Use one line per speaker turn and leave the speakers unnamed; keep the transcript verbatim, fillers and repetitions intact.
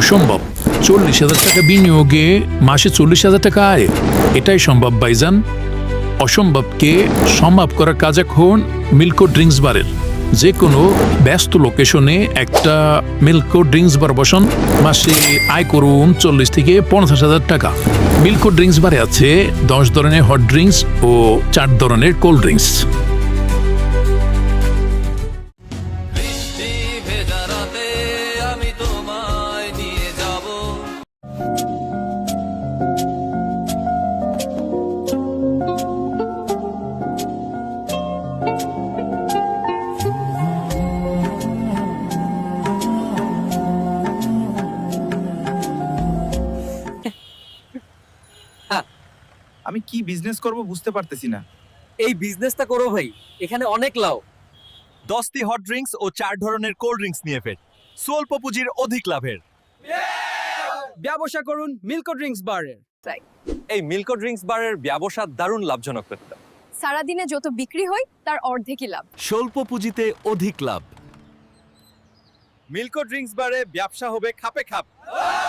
অসম্ভব। চল্লিশ হাজার টাকা বিনিয়োগে মাসে চল্লিশ হাজার টাকা আয়, এটাই সম্ভব ভাইজান। অসম্ভবকে সম্ভব করার কাজ এখন মিল্কো ড্রিঙ্কস বারের। যে কোনো ব্যস্ত লোকেশনে একটা মিল্কো ড্রিঙ্কস বার বসান, মাসে আয় করুন চল্লিশ থেকে পঞ্চাশ হাজার টাকা। মিল্কো ড্রিঙ্কস বারে আছে দশ ধরনের হট ড্রিঙ্কস ও চার ধরনের কোল্ড ড্রিঙ্কস।
আমি কি বিজনেস করব বুঝতে পারতেছি না।
এই বিজনেসটা করো ভাই, এখানে অনেক লাভ।
দশটি হট ড্রিঙ্কস ও চার ধরনের কোল্ড ড্রিঙ্কস নিয়ে ফের স্বল্প পুঁজির অধিক লাভের
ব্যবসা করুন মিল্কো ড্রিঙ্কস বারের।
এই মিল্কো ড্রিঙ্কস বারের ব্যবসা দারুণ লাভজনক করতে।
সারাদিনে যত বিক্রি হয় তার অর্ধেকই লাভ।
স্বল্প পুঁজিতে অধিক লাভ। মিল্কো ড্রিঙ্কস বারে ব্যবসা হবে খাপে খাপ।